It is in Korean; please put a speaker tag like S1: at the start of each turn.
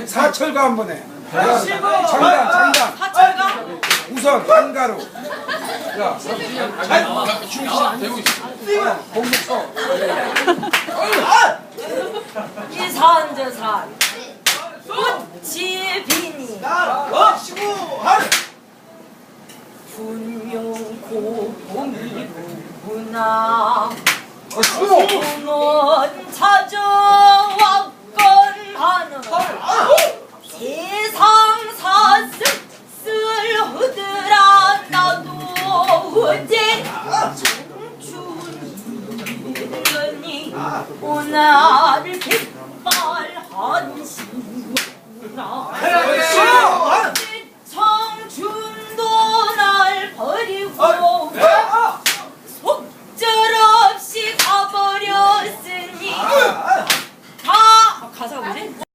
S1: 사철가 한번 해.
S2: 장단.
S3: 사철가?
S1: 우선 한가로. 야, 목목 쳐.
S3: 이산저산 꽃이 피니 분명 고봄이구나. 봄은 찾아왔건 하는 세상 사슬슬 흐드라. 나도 어제 청춘이더니 오늘 백발 한시구나.